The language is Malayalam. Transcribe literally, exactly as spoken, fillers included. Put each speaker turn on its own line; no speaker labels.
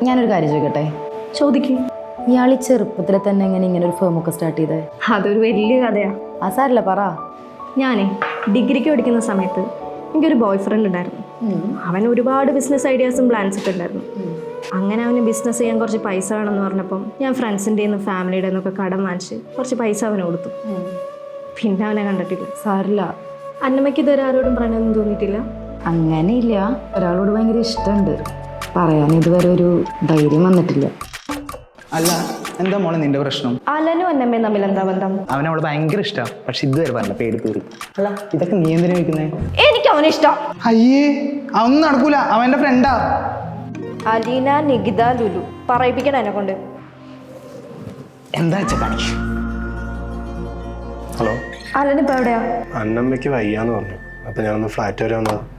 ഞാനൊരു കാര്യം ചോദിക്കട്ടെ?
ചോദിക്കും.
ഇയാൾ ഈ ചെറുപ്പത്തിലെ തന്നെ എങ്ങനെ ഇങ്ങനെ ഒരു ഫേമൊക്കെ സ്റ്റാർട്ട് ചെയ്തേ?
അതൊരു വലിയ കഥയാണ്.
ആ സാരല്ല, പറ.
ഞാനേ ഡിഗ്രിക്ക് പഠിക്കുന്ന സമയത്ത് എനിക്കൊരു ബോയ് ഫ്രണ്ട് ഉണ്ടായിരുന്നു. അവൻ ഒരുപാട് ബിസിനസ് ഐഡിയാസും പ്ലാൻസ് ഒക്കെ ഉണ്ടായിരുന്നു. അങ്ങനെ അവന് ബിസിനസ് ചെയ്യാൻ കുറച്ച് പൈസ വേണമെന്ന് പറഞ്ഞപ്പം ഞാൻ ഫ്രണ്ട്സിൻ്റെ നിന്ന് ഫാമിലിയുടെ നിന്നൊക്കെ കടം വാങ്ങിച്ച് കുറച്ച് പൈസ അവന് കൊടുത്തു. പിന്നെ അവനെ കണ്ടിട്ടില്ല.
സാരില്ല.
അന്നമ്മയ്ക്ക് ഇതുവരെ ആരോടും പ്രണയമൊന്നും തോന്നിയിട്ടില്ല?
അങ്ങനെയില്ല, ഒരാളോട് ഭയങ്കര ഇഷ്ടമുണ്ട്. പറയാൻ ഇതുവരെ ഒരു ധൈര്യം വന്നിട്ടില്ല.
അല്ല, എന്താ മോളെ നിന്റെ പ്രശ്നം?
അലനും അന്നമ്മയും തമ്മിൽ എന്താ ബന്ധം?
അവൻ അവളെ ഭയങ്കര ഇഷ്ടമാണ്, പക്ഷെ ഇതുവരെ പറഞ്ഞ പേടി തീറി. അല്ല, ഇതൊക്കെ നീ എന്തിനാ വെക്കുന്നേ?
എനിക്ക് അവനെ ഇഷ്ടം.
അയ്യേ, അവൻ നടക്കൂല, അവൻ്റെ ഫ്രണ്ടാ.
അലീന, നികിത, ലുലു പറയിപ്പിക്കണം എന്നെ കൊണ്ട്.
എന്താ വെച്ചാ കാണിച്ചു.
ഹലോ,
അലനിപ്പോ എവിടെയാ?
അന്നമ്മയ്ക്ക് വയ്യാന്ന് പറഞ്ഞു. അപ്പൊ ഞാനൊന്ന് ഫ്ലാറ്റ് വരെ വന്നത്.